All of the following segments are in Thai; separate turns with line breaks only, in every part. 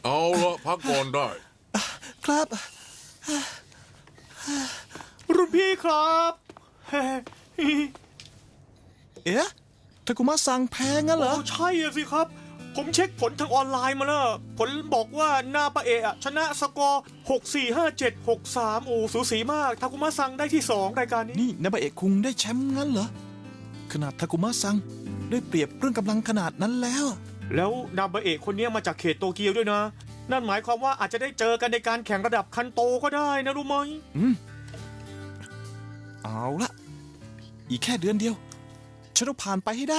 เอาละพักก่อนได้
ครับ
รุ่นพี่ครับ
เอ๊ะทากุมะสั่งแพ้งั้นเหรอ
ใช่สิครับ ผมเช็คผลทางออนไลน์มาแล้วผลบอกว่านาปาเอะชนะสกอร์6-4-5-7-6-3โอ้สูสีมากทากุมะซังได้ที่2รายการนี้
นี่นาบะเอะคุงได้แชมป์งั้นเหรอขนาดทากุมะซังได้เปรียบเรื่องกำลังขนาดนั้นแล้ว
แล้วนาบาเอะคนนี้มาจากเขตโตเกียวด้วยนะนั่นหมายความว่าอาจจะได้เจอกันในการแข่งระดับคันโตก็ได้นะรู้ไหม
เอาละอีกแค่เดือนเดียวฉันต้องผ่านไปให้ได้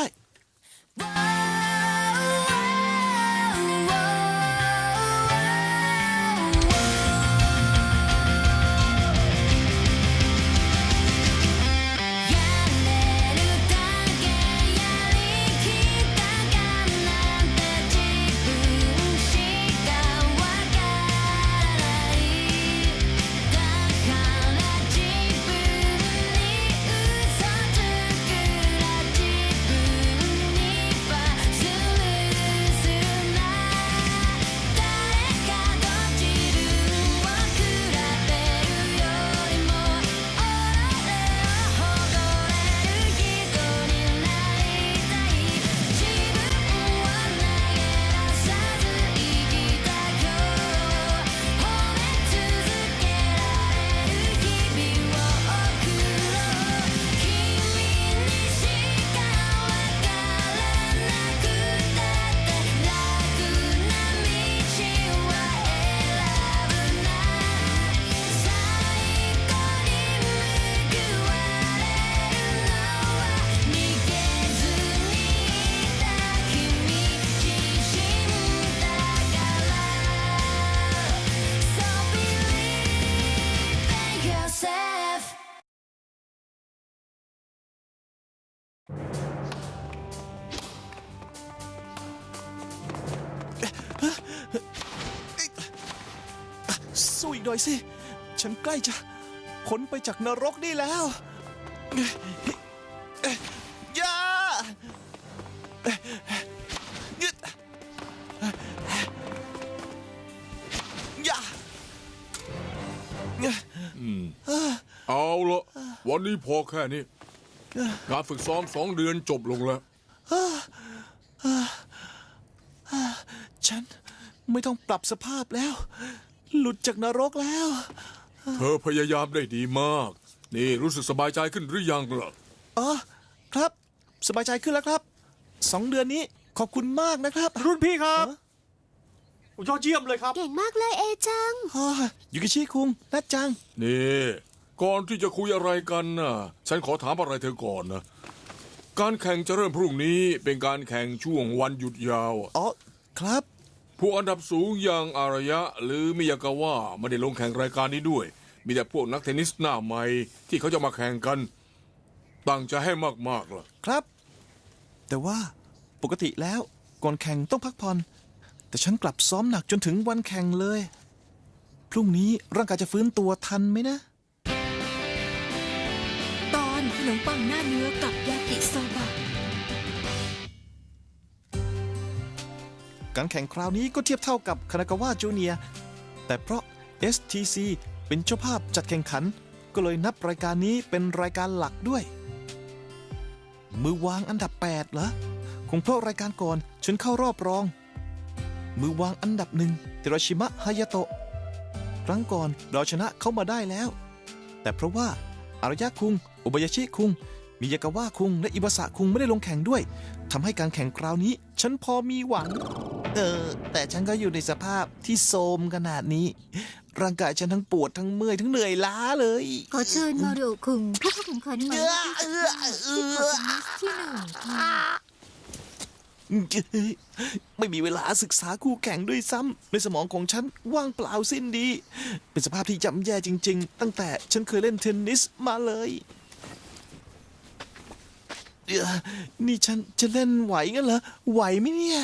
สู้อีกหน่อยสิฉันใกล้จะพ้นไปจากนรกนี่แล้วอย่า
เอาละวันนี้พอแค่นี้การฝึกซ้อม2 เดือนจบลงแล้ว
ฉันไม่ต้องปรับสภาพแล้วหลุดจากนรกแล้ว
เธอพยายามได้ดีมากนี่รู้สึกสบายใจขึ้นหรือยังล่ะ
อ๋อครับสบายใจขึ้นแล้วครับ2 เดือนนี้ขอบคุณมากนะครับ
รุ่นพี่ครับยอดเยี่ยมเลยครับ
เก่งมากเลยเอจัง
ยูกิชิคุงนัดจัง
นี่ก่อนที่จะคุยอะไรกันน่ะฉันขอถามอะไรเธอก่อนนะการแข่งจะเริ่มพรุ่งนี้เป็นการแข่งช่วงวันหยุดยาว
อ๋อครับ
ผู้อันดับสูงอย่างอารยะหรือมิยากาวะไม่ได้ลงแข่งรายการนี้ด้วยมีแต่พวกนักเทนนิสหน้าใหม่ที่เขาจะมาแข่งกันตั้งใจให้มากๆล่ะ
ครับแต่ว่าปกติแล้วก่อนแข่งต้องพักผ่อนแต่ฉันกลับซ้อมหนักจนถึงวันแข่งเลยพรุ่งนี้ร่างกายจะฟื้นตัวทันไหมนะ
ตอนขนมปังหน้าเนื้อกับยากิโซบะ
การแข่งคราวนี้ก็เทียบเท่ากับคานากาวะจูเนียร์แต่เพราะ STC เป็นเจ้าภาพจัดแข่งขันก็เลยนับรายการนี้เป็นรายการหลักด้วยมือวางอันดับ8เหรอคงเพราะรายการก่อนฉันเข้ารอบรองมือวางอันดับ1ฮิโรชิมะฮายาโตะครั้งก่อนเราชนะเขามาได้แล้วแต่เพราะว่าอารยะคุงโอบายาชิคุงมิยากาวะคุงและอิบาสะคุงไม่ได้ลงแข่งด้วยทำให้การแข่งคราวนี้ฉันพอมีหวังแต่ฉันก็อยู่ในสภาพที่โทรมขนาดนี้ร่างกายฉันทั้งปวดทั้งเมื่อยทั้งเหนื่อยล้าเลย
ขอเชิญมารุคุงผู้เข้าแข่งขันหมายเลขที่1
ไม่มีเวลาศึกษาคู่แข่งด้วยซ้ำในสมองของฉันว่างเปล่าสิ้นดีเป็นสภาพที่ย่ำแย่จริงๆตั้งแต่ฉันเคยเล่นเทนนิสมาเลยนี่ฉันจะเล่นไหวงั้นเหรอไหวไหมเนี่ย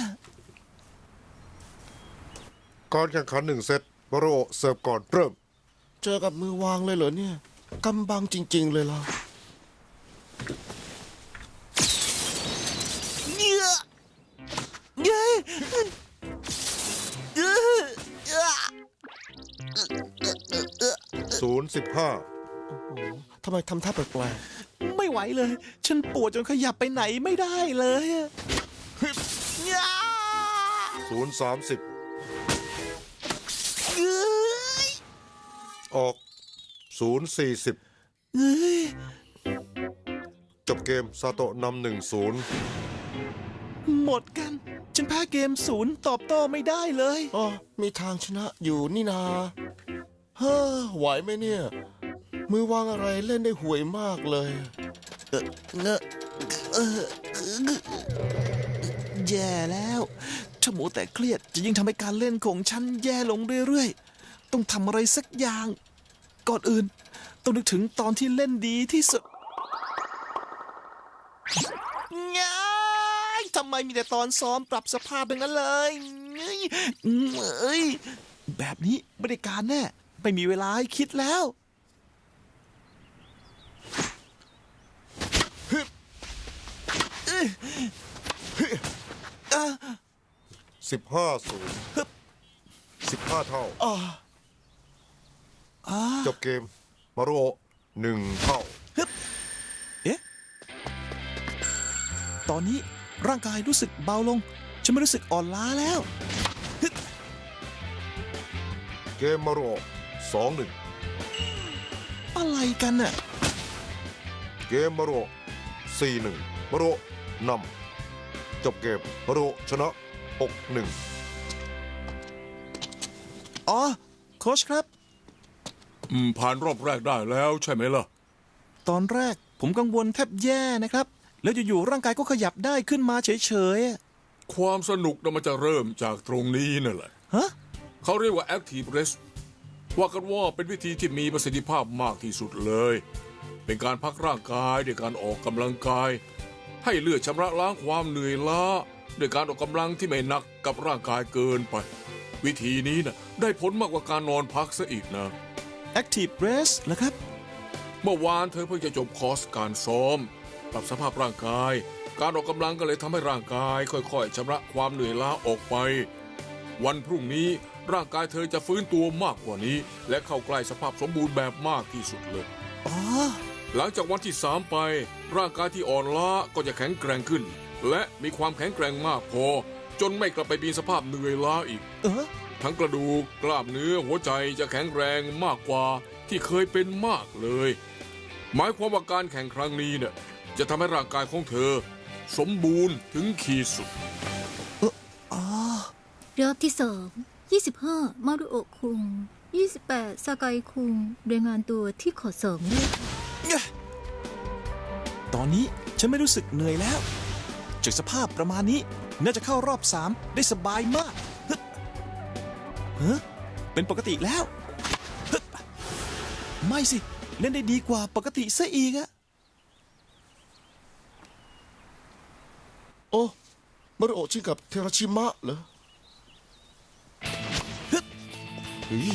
การแข่งขัน1 เซตมารุโอะเสิร์ฟก่อนเริ่ม
เจอกับมือวางเลยเหรอเนี่ยกำบังจริงๆเลยล่ะทำไมทำท่าแปลก
ไม่ไหวเลย ฉันปวดจนขยับไปไหนไม่ได้เลยอะย่า
030
เอ้ย
ออก 040
เอ้ย
จบเกมซาโตะนำ1-0
หมดกัน ฉันแพ้เกมศูนย์ตอบโต้ไม่ได้เลย
ๆอ๋อมีทางชนะอยู่นี่นาเฮ้อไหวไหมเนี่ย มือวางอะไรเล่นได้ห่วยมากเลย
เงอะแย่แล้วถ้าหมูแต่เครียดจะยิ่งทำให้การเล่นของฉันแย่ลงเรื่อยๆ ต้องทำอะไรสักอย่าง ก่อนอื่น ต้องนึกถึงตอนที่เล่นดีที่สุดง่ายทำไมมีแต่ตอนซ้อมปรับสภาพเป็นนั้นเลยเอ้ยแบบนี้ไม่ได้การแน่ ไม่มีเวลาให้คิดแล้ว
15-0 15 เท่า จบเกม มารุโอะ1 เท่า
เอ๊ะ ตอนนี้ร่างกายรู้สึกเบาลง ฉันไม่รู้สึกอ่อนล้าแล้ว
เกมมารุโอะ2-1
อะไรกันน่ะ
เกมมารุโอะ4-1 มารุโอะนำจบเกม มารุโอะชนะ 6-1
อ๋อ โค้ชครับ
ผ่านรอบแรกได้แล้วใช่ไหมล่ะ
ตอนแรกผมกังวลแทบแย่นะครับ แล้วอยู่ๆร่างกายก็ขยับได้ขึ้นมาเฉยๆอะ
ความสนุกน่ะมันจะเริ่มจากตรงนี้นั่นแหละ
ฮะ
เขาเรียกว่า Active Rest ว่ากันว่าเป็นวิธีที่มีประสิทธิภาพมากที่สุดเลย เป็นการพักร่างกายด้วยการออกกำลังกาย ให้เลือดชำระล้างความเหนื่อยล้าด้วยการออกกำลังที่ไม่หนักกับร่างกายเกินไป วิธีนี้นะได้ผลมากกว่าการนอนพักซะอีกนะ
Active Rest เหรอครับ
เมื่อวานเธอเพิ่งจะจบคอร์สการซ้อม ปรับสภาพร่างกาย การออกกำลังก็เลยทำให้ร่างกายค่อยๆชำระความเหนื่อยล้าออกไป วันพรุ่งนี้ร่างกายเธอจะฟื้นตัวมากกว่านี้ และเข้าใกล้สภาพสมบูรณ์แบบมากที่สุดเลย
อ๋อ
หลังจากวันที่ 3 ไป ร่างกายที่อ่อนล้าก็จะแข็งแกร่งขึ้น และมีความแข็งแกร่งมากพอ จนไม่กลับไปมีสภาพเหนื่อยล้าอีก ทั้งกระดูกกล้ามเนื้อหัวใจจะแข็งแรงมากกว่าที่เคยเป็นมากเลย หมายความว่าการแข่งครั้งนี้เนี่ยจะทำให้ร่างกายของเธอ สมบูรณ์ถึงขีดสุด
รอบที่2 25 มารุโอะคุง 28 ซากายคุงรายงานตัวที่ขอ2ด้วยค่ะ
ตอนนี้ฉันไม่รู้สึกเหนื่อยแล้ว จากสภาพประมาณนี้น่าจะเข้ารอบ 3 ได้สบายมากเฮ้เป็นปกติแล้วฮึบไม่สิ เล่นได้ดีกว่าปกติซะอีกอะ
โอ้มารุโอะชิงกับเทราชิมะเหรอเฮ้ย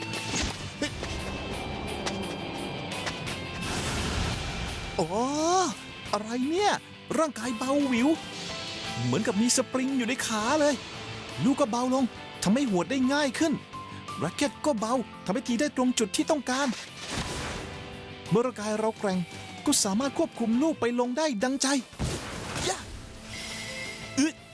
อ๋อ อะไรเนี่ย ร่างกายเบาหวิว เหมือนกับมีสปริงอยู่ในขาเลย ลูกก็เบาลงทำให้หัวดได้ง่ายขึ้นแร็คเก็ตก็เบาทำให้ตีได้ตรงจุดที่ต้องการ เมื่อร่างกายเราแกร่งก็สามารถควบคุมลูกไปลงได้ดังใจยะอึด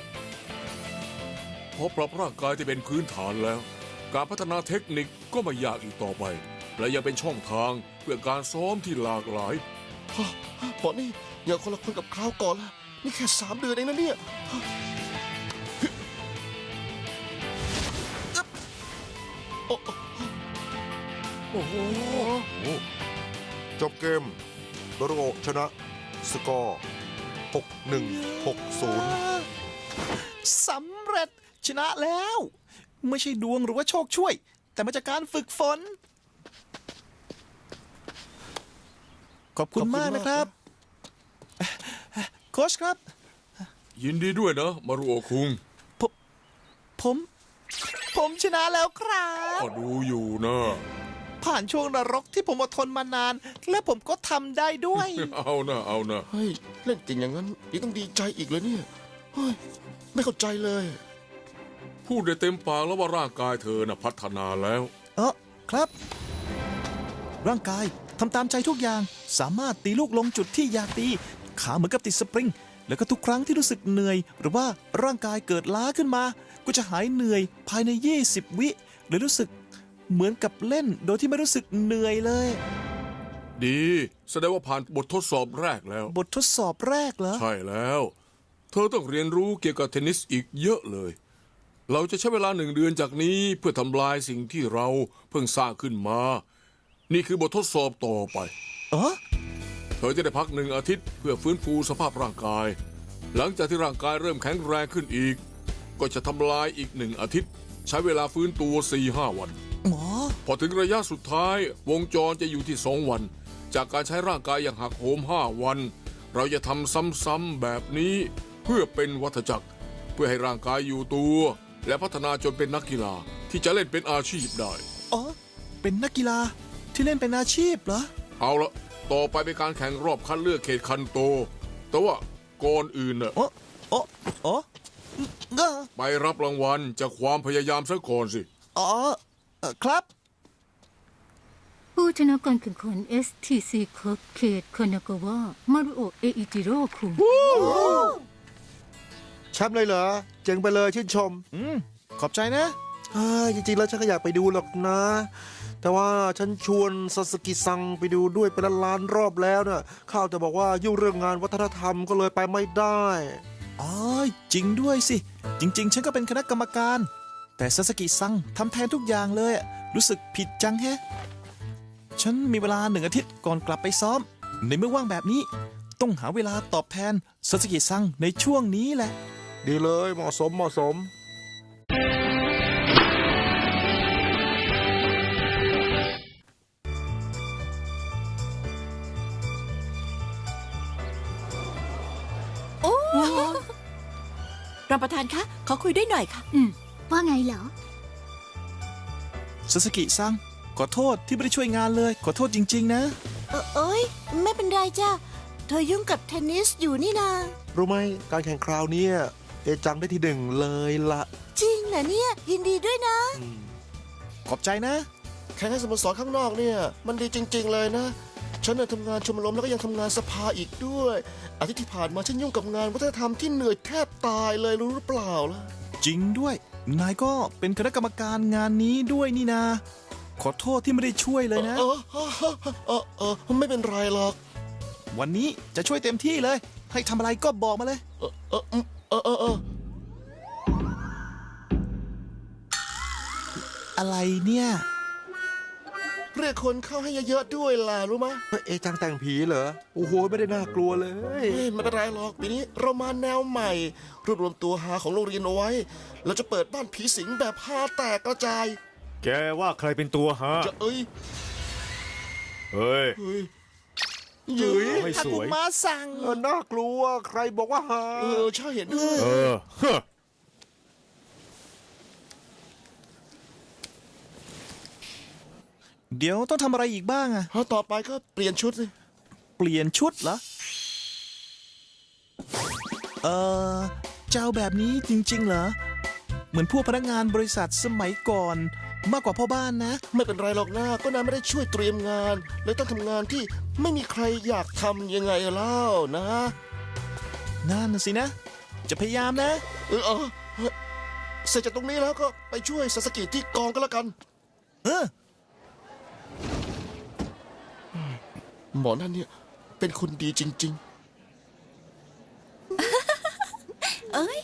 พอปรับร่างกายที่เป็นพื้นฐานแล้ว การพัฒนาเทคนิคก็ไม่ยากอีกต่อไป และยังเป็นช่องทางเพื่อการซ้อมที่หลากหลาย
บอนี่อย่าคนละคนกับคราวก่อนละนี่แค่3 เดือนเองนะเนี่ยโอ้
โอ้โห
จบเกม มารุโอะชนะ สกอร์ 6-1 6-0
สำเร็จชนะแล้ว ไม่ใช่ดวงหรือว่าโชคช่วย แต่มาจากการฝึกฝน ขอบคุณมากนะครับ โค้ชครับ
ยินดีด้วยนะ มารุโอะคุง
ผมชนะแล้วครับ
ก็ดูอยู่นะ
ผ่านช่วงนรกที่ผมอดทนมานาน และผมก็ทำได้ด้วย
เอานะเอานะ
เฮ้ยเล่นเก่งอย่างนั้นยังต้องดีใจอีกเลยเนี่ยเฮ้ยไม่เข้าใจเลย
พูดได้เต็มปากแล้วว่าร่างกายเธอน่ะพัฒนาแล้ว
ครับร่างกายทำตามใจทุกอย่างสามารถตีลูกลงจุดที่อยากตีขาเหมือนกับติดสปริงแล้วก็ทุกครั้งที่รู้สึกเหนื่อยหรือว่าร่างกายเกิดล้าขึ้นมาก็จะหายเหนื่อยภายใน20 วิหรือรู้สึกเหมือนกับเล่นโดยที่ไม่รู้สึกเหนื่อยเลย
ดีแสดงว่าผ่านบททดสอบแรกแล้ว
บททดสอบแรกเหรอ
ใช่แล้ว เธอต้องเรียนรู้เกี่ยวกับเทนนิสอีกเยอะเลย เราจะใช้เวลา1 เดือนจากนี้เพื่อทำลายสิ่งที่เราเพิ่งสร้างขึ้นมา นี่คือบททดสอบต่อไป
เออ
เธอจะได้พัก1 อาทิตย์เพื่อฟื้นฟูสภาพร่างกาย หลังจากที่ร่างกายเริ่มแข็งแรงขึ้นอีก ก็จะทำลายอีก1 อาทิตย์ ใช้เวลาฟื้นตัว 4-5 วัน
หมอ
พอถึงระยะสุดท้ายวงจรจะอยู่ที่2 วัน จากการใช้ร่างกายอย่างหักโหม5 วัน เราจะทำซ้ำๆแบบนี้เพื่อเป็นวัฏจักร เพื่อให้ร่างกายอยู่ตัว และพัฒนาจนเป็นนักกีฬาที่จะเล่นเป็นอาชีพได้
อ๋อเป็นนักกีฬาที่เล่นเป็นอาชีพเหรอ
เอาละต่อไปเป็นการแข่งรอบคัดเลือกเขตคันโต แต่ว่าก่อนอื่นน่ะ
อ๋ออ๋ออ๋อเออ
ไปรับรางวัลจากความพยายามซะก่อนสิ
อ๋อครับ
ผู้ชนะการแข่งขัน STC คัพเขตคานากาวะมารุโอะเออิจิโร่คุง
แชมป์เลยเหรอ เจ๋งไปเลยชื่นชม
ขอบใจนะ
จริงๆแล้วฉันก็อยากไปดูหรอกนะ แต่ว่าฉันชวนซาสกิซังไปดูด้วยเป็นล้านๆรอบแล้วเนี่ยข้าวแต่บอกว่ายุ่งเรื่องงานวัฒนธรรมก็เลยไปไม่ได้
อ๋อจริงด้วยสิ จริง ๆ ฉันก็เป็นคณะกรรมการ แต่ซาสกิซังทำแทนทุกอย่างเลยอะรู้สึกผิดจังแฮะ ฉันมีเวลา1 อาทิตย์ก่อนกลับไปซ้อม ในเมื่อว่างแบบนี้ ต้องหาเวลาตอบแทนซาสกิซังในช่วงนี้แหละ
ดีเลยเหมาะสมเหมาะสม
รองประธานคะ ขอคุยด้วยหน่อยค่ะ
ว่าไงเหรอ
ซาสกิซังขอโทษที่ไม่ได้ช่วยงานเลย ขอโทษจริง ๆ นะ
เอ้ย ไม่เป็นไรจ้าเธอยุ่งกับเทนนิสอยู่นี่นา
รู้ไหมการแข่งคราวเนี้ยเอจังได้ที่ 1เลยละ
จริงเหรอเนี่ย ยินดีด้วยนะ
ขอบใจนะ
แข่งให้สโมสรข้างนอกเนี่ย มันดีจริง ๆ เลยนะ ฉันน่ะทำงานชมรมแล้วก็ยังทำงานสภาอีกด้วย อาทิตย์ที่ผ่านมาฉันยุ่งกับงานวัฒนธรรมที่เหนื่อยแทบตายเลยรู้หรือเปล่าล่ะ
จริงด้วย นายก็เป็นคณะกรรมการงานนี้ด้วยนี่นา ขอโทษที่ไม่ได้ช่วยเลยนะ
ไม่เป็นไรหรอก
วันนี้จะช่วยเต็มที่เลย ให้ทำอะไรก็บอกมาเลย อะไรเนี่ย
เรียกคนเข้าให้เยอะๆด้วยล่ะรู้ไหม
เอจังแต่งผีเหรอ โอ้โห ไม่ได้น่ากลัวเลย
ไม่เป็นไรหรอกปีนี้เรามาแนวใหม่ รวบรวมตัวหาของโรงเรียนเอาไว้ เราจะเปิดบ้านผีสิงแบบฮาแตกกระจาย
แกว่าใครเป็นตัวฮะ
จะเอ้ย
เฮ้ย
หยืย
ไม่สวย
มาสั่ง
น่ากลัว ใครบอกว่าหา
ใช่เห็นด้วย
เออฮะ
เดี๋ยวต้องทำอะไรอีกบ้างอะ
ต่อไปก็เปลี่ยนชุดสิ
เปลี่ยนชุดเหรอ เจ้าแบบนี้จริง ๆ เหรอ เหมือนพวกพนักงานบริษัทสมัยก่อน มากกว่าพ่อบ้านนะ
ไม่เป็นไรหรอกนะก็นายไม่ได้ช่วยเตรียมงานเลยต้องทำงานที่ไม่มีใครอยากทำยังไงเล่านะ
นั่นน่ะสินะ จะพยายามนะ
เสร็จจากตรงนี้แล้วก็ไปช่วยซาสกิที่กองก็แล้วกัน
เออ
หมอนั่นเนี่ยเป็นคนดีจริง
เอ้ย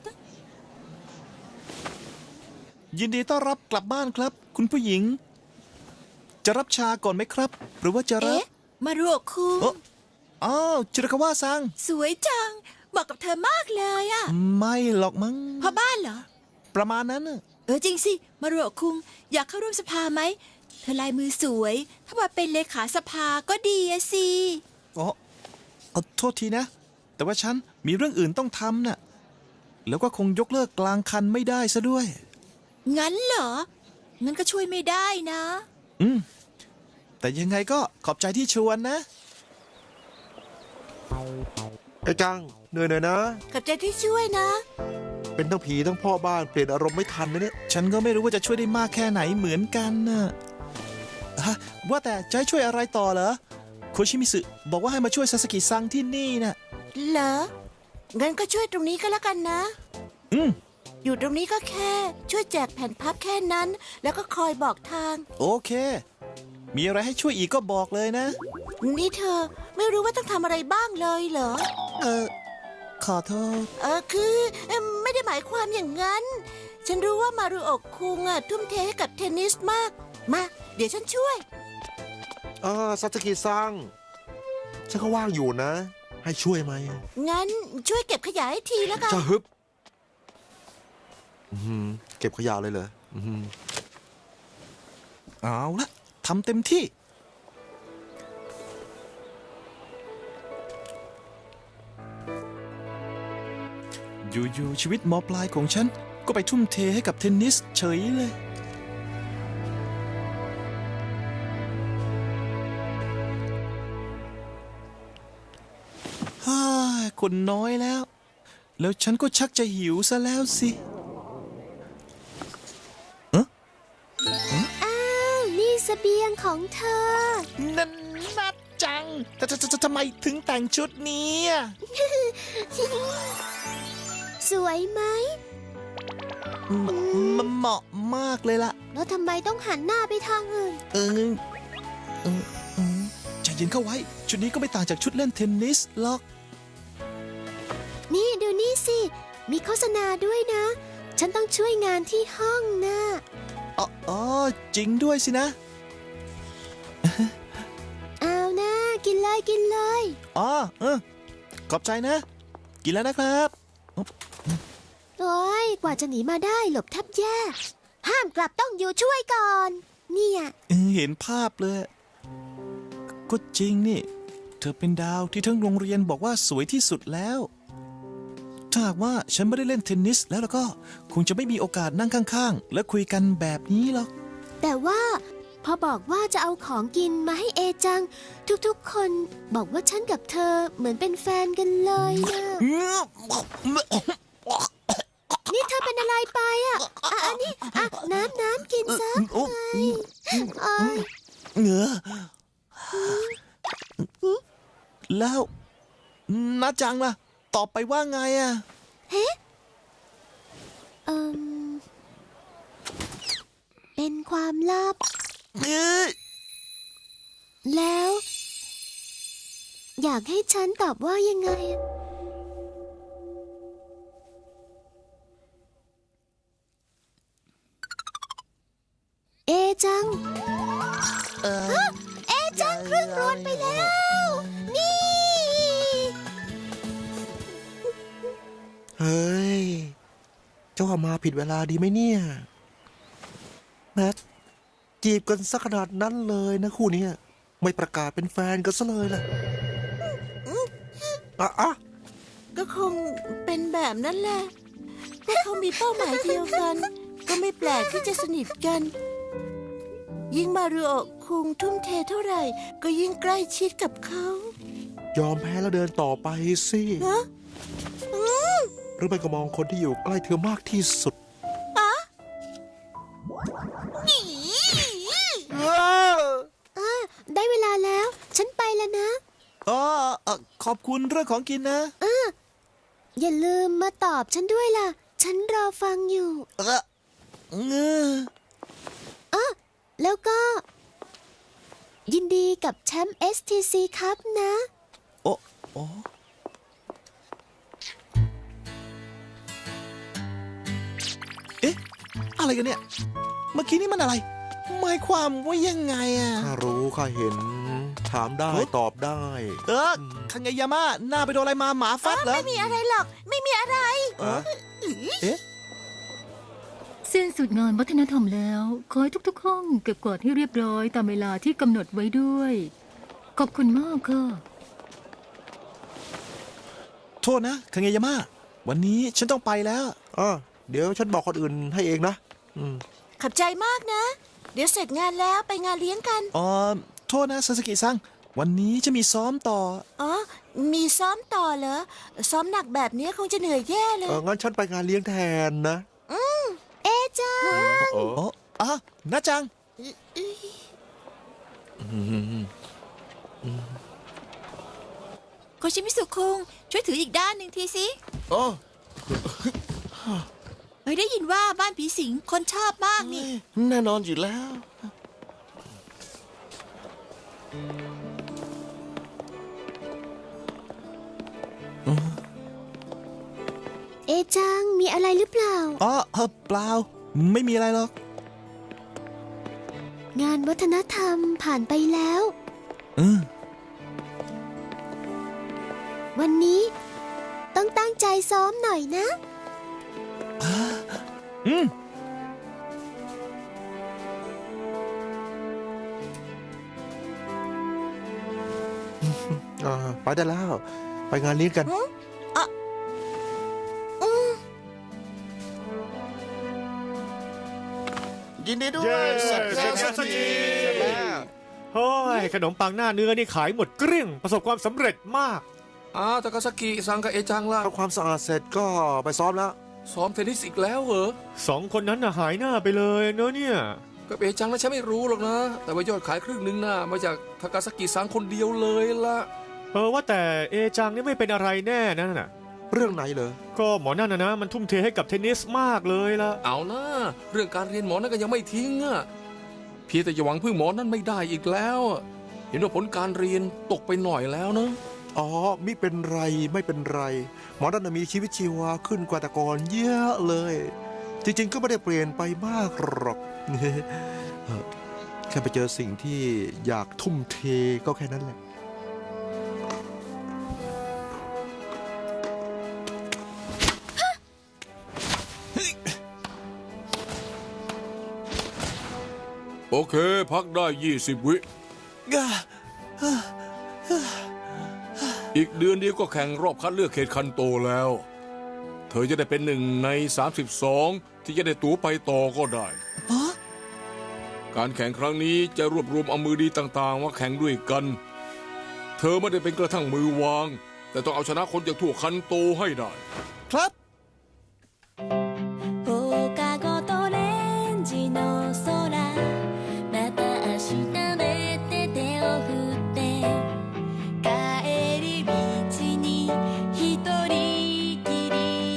ยินดีต้อนรับกลับบ้านครับ คุณผู้หญิง จะรับชาก่อนไหมครับ หรือว่าจะรับ
เอ๊ะ มารุโอะคุง
โอ้อ้าวจิรากาวะซัง
สวยจัง เหมาะกับเธอมากเลยอะ
ไม่หรอกมั้ง
พ่อบ้านเหรอ
ประมาณนั้นน่ะ
จริงสิ มารุโอะคุง อยากเข้าร่วมสภาไหม เธอลายมือสวย ถ้ามาเป็นเลขาสภาก็ดีอะสิ
อ๋อเอาโทษทีนะ แต่ว่าฉันมีเรื่องอื่นต้องทำน่ะ แล้วก็คงยกเลิกกลางคันไม่ได้ซะด้วย
งั้นเหรอ งั้นก็ช่วยไม่ได้นะ
แต่ยังไงก็ขอบใจที่ชวนนะ
เอจังเหนื่อยหน่อยนะ
ขอบใจที่ช่วยนะ
เป็นทั้งผีทั้งพ่อบ้านเปลี่ยนอารมณ์ไม่ทันนะเนี่ย
ฉันก็ไม่รู้ว่าจะช่วยได้มากแค่ไหนเหมือนกันน่ะฮะว่าแต่จะให้ช่วยอะไรต่อเหรอโคชิมิสึบอกว่าให้มาช่วยซาสกิซังที่นี่น่ะ
เหรอ งั้นก็ช่วยตรงนี้ก็แล้วกันนะ
อืม
อยู่ตรงนี้ก็แค่ ช่วยแจกแผ่นพับแค่นั้น แล้วก็คอยบอกทาง
โอเค มีอะไรให้ช่วยอีกก็บอกเลยนะ
นี่เธอไม่รู้ว่าต้องทำอะไรบ้างเลยเหรอ
ขอโทษ
คือไม่ได้หมายความอย่างนั้น ฉันรู้ว่ามารุโอะคุงทุ่มเทให้กับเทนนิสมาก มา เดี๋ยวฉันช่วย
ซาสกิซังฉันก็ว่างอยู่นะ ให้ช่วยไหม
งั้นช่วยเก็บขยะให้ทีแล้วกัน
จะฮึบเก็บขยะเลยเหรอ
เอาละทำเต็มที่ อยู่ๆชีวิตมปลายของฉัน ก็ไปทุ่มเทให้กับเทนนิสเฉยเลยฮ่าคนน้อยแล้ว แล้วฉันก็ชักจะหิวซะแล้วสิ
นี่เสบียงของเธอ
นั่นนัดจังแต่ทำไมถึงแต่งชุดนี้อะ
สวยไหม
มันเหมาะมากเลยล่ะ
แล้วทำไมต้องหันหน้าไปทางอื่น
เออใจเย็นเข้าไว้ ชุดนี้ก็ไม่ต่างจากชุดเล่นเทนนิสหรอก
นี่ดูนี่สิ มีโฆษณาด้วยนะ ฉันต้องช่วยงานที่ห้องนะ
อ๋อ จริงด้วยสินะ
เอานะกินเลยกินเลย
อ๋อขอบใจนะ กินแล้วนะครับ
โอ้ยกว่าจะหนีมาได้หลบแทบแย่ ห้ามกลับต้องอยู่ช่วยก่อน เนี่ย
เห็นภาพเลย ก็จริงนี่ เธอเป็นดาวที่ทั้งโรงเรียนบอกว่าสวยที่สุดแล้ว ถ้าหากว่าฉันไม่ได้เล่นเทนนิสแล้วก็คงจะไม่มีโอกาสนั่งข้างๆ และคุยกันแบบนี้หรอก
แต่ว่าพอบอกว่าจะเอาของกินมาให้เอจัง ทุกๆคนบอกว่าฉันกับเธอเหมือนเป็นแฟนกันเลยนะนี่เธอเป็นอะไรไปอ่ะอันนี้น้ำกินซะไอ้ย
เหงือแล้วน้าจังล่ะ ตอบไปว่าไงอ่ะ
เป็นความลับ
เอ้ย
แล้ว อยากให้ฉันตอบว่ายังไง เอจัง เอจังครึ่งรวนไปแล้ว นี่
เฮ้ย เจ้ามาผิดเวลาดีไหมเนี่ยแมทจีบกันสักขนาดนั้นเลยนะคู่เนี้ยไม่ประกาศเป็นแฟนกันซะเลยล่ะอ่ะ
ก็คงเป็นแบบนั้นแหละพวกเขามีเป้าหมายเดียวกัน ก็ไม่แปลกที่จะสนิทกัน ยิ่งมารุโอะคุงทุ่มเทเท่าไหร่ ก็ยิ่งใกล้ชิดกับเขา
ยอมแพ้แล้วเดินต่อไปสิ
ฮะ
หรือไม่ก็มองคนที่อยู่ใกล้เธอมากที่สุด
ได้เวลาแล้ว ฉันไปแล้วนะ
ขอบคุณเรื่องของกินนะ
อย่าลืมมาตอบฉันด้วยล่ะ ฉันรอฟังอยู่
เงือ
แล้วก็ ยินดีกับแชมป์ STC ครับนะ
โอ้เอ๊ะ อะไรกันเนี่ย เมื่อกี้นี่มันอะไร หมายความว่ายังไงอ่ะ
ข้ารู้ข้าเห็น ถามได้ตอบได้
คังไงยาม่าหน้าไปโดนอะไรมาหมาฟัดเหรอ
ไม่มีอะไรหรอก ไม่มีอะไร
เอ๊ะ
สิ้นสุดงานวัฒนธรรมแล้ว ขอให้ทุกๆห้องเก็บกวาดให้เรียบร้อยตามเวลาที่กำหนดไว้ด้วย ขอบคุณมากค่ะ
โทษนะคังไงยาม่าวันนี้ฉันต้องไปแล้ว
เดี๋ยวฉันบอกคนอื่นให้เองนะ
ขอบใจมากนะ เดี๋ยวเสร็จงานแล้วไปงานเลี้ยงกัน
โทษนะซาสกิซังวันนี้จะมีซ้อมต่อ
มีซ้อมต่อเหรอ ซ้อมหนักแบบนี้คงจะเหนื่อยแย่เลย
งั้นฉันไปงานเลี้ยงแทนนะ
เอจัง
น้าจัง
โคชิมิสุคุงช่วยถืออีกด้านหนึ่งทีสิ
อ๋อ
เฮ้ยได้ยินว่าบ้านผีสิงคนชอบมากนี่
แน่นอนอยู่แล้ว
เอจังมีอะไรหรือเปล่า
อ๋อเปล่า ไม่มีอะไรหรอก
งานวัฒนธรรมผ่านไปแล้ว
อืม
วันนี้ต้องตั้งใจซ้อมหน่อยนะ
อืม
ไปได้แล้ว ไปงานเลี้ยงกัน
ยินดีด้ว
เย้
ยเสร็จ
เสร็จแล้ว
แล้วสักที
เฮ้ยขนมปังหน้าเนื้อนี่ขายหมดเกลี้ยงประสบความสำเร็จมาก
ทากาซากิซังกับเอจังล่ะ
ทำความสะอาดเสร็จก็ไปซ้อมแล้ว
ซ้อมเทนนิสอีกแล้วเหรอ
สองคนนั้นน่ะหายหน้าไปเลยเนอะเนี่ย
กับเอจังนะฉันไม่รู้หรอกนะ แต่ว่ายอดขายครึ่งหนึงน่ะมาจากทากาซากิซังคนเดียวเลยล่ะ
ว่าแต่เอจังนี่ไม่เป็นอะไรแน่นั่นน่ะ
เรื่องไหนเหรอ
ก็หมอนั่นนะมันทุ่มเทให้กับเทนนิสมากเลยล่ะ
เอานะเรื่องการเรียนหมอนั่นก็ยังไม่ทิ้งอ่ะเพียงแต่อย่าหวังพึ่งหมอนั่นไม่ได้อีกแล้ว เห็นว่าผลการเรียนตกไปหน่อยแล้วนะ
อ๋อมิเป็นไรไม่เป็นไร หมอนั่นนะมีชีวิตชีวาขึ้นกว่าแต่ก่อนเยอะเลย จริงๆก็ไม่ได้เปลี่ยนไปมากหรอก แค่ไปเจอสิ่งที่อยากทุ่มเทก็แค่นั้นแหละ
โอเค พักได้20 วิ อีกเดือนเดียวก็แข่งรอบคัดเลือกเขตคันโตแล้ว เธอจะได้เป็น1 ใน 32 ที่จะได้ตั๋วไปต่อก็ได้ การแข่งครั้งนี้จะรวบรวมเอามือดีต่างๆมาแข่งด้วยกัน เธอไม่ได้เป็นกระทั่งมือวาง แต่ต้องเอาชนะคนจากทั่วคันโตให้ได้
ครับ
放課後とレンジの空また明日でて手を振って帰り道に一人きり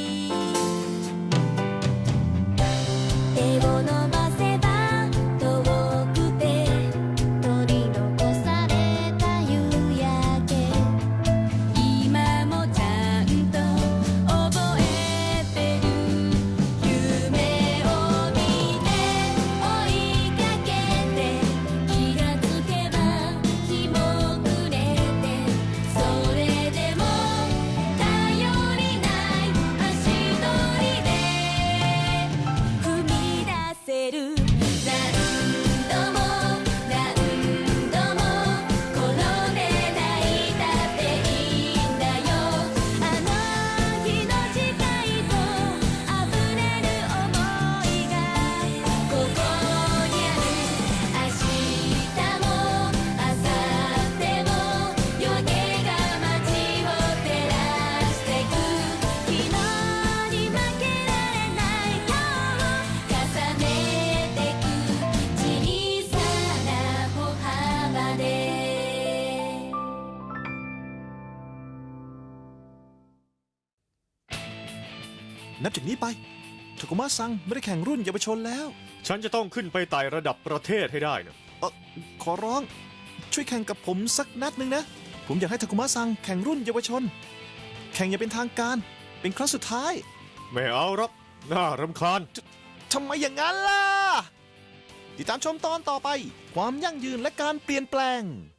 手を伸ばせば遠くて取り残された夕焼け今もちゃんと覚えてる夢を見て追いかけて気がつけば日も暮れてそれでも頼りない足取りで踏み出せる何度も何度も転んで泣いたっていいんだよあの日の誓いと溢れる想いがここにある明日も明後日も夜気が街を照らしてく昨日に負けられない今日を重ねてく小さな歩幅で
นับจากนี้ไปทากุมะซังไม่ได้แข่งรุ่นเยาวชนแล้ว
ฉันจะต้องขึ้นไปไต่ระดับประเทศให้ได้นะ
ขอร้อง ช่วยแข่งกับผมสักนัดหนึ่งนะ ผมอยากให้ทากุมะซังแข่งรุ่นเยาวชน แข่งอย่างเป็นทางการ เป็นครั้งสุดท้าย
ไม่เอาหรอกน่ารำคาญ
ทำไมอย่างนั้นล่ะ ติดตามชมตอนต่อไป ความยั่งยืนและการเปลี่ยนแปลง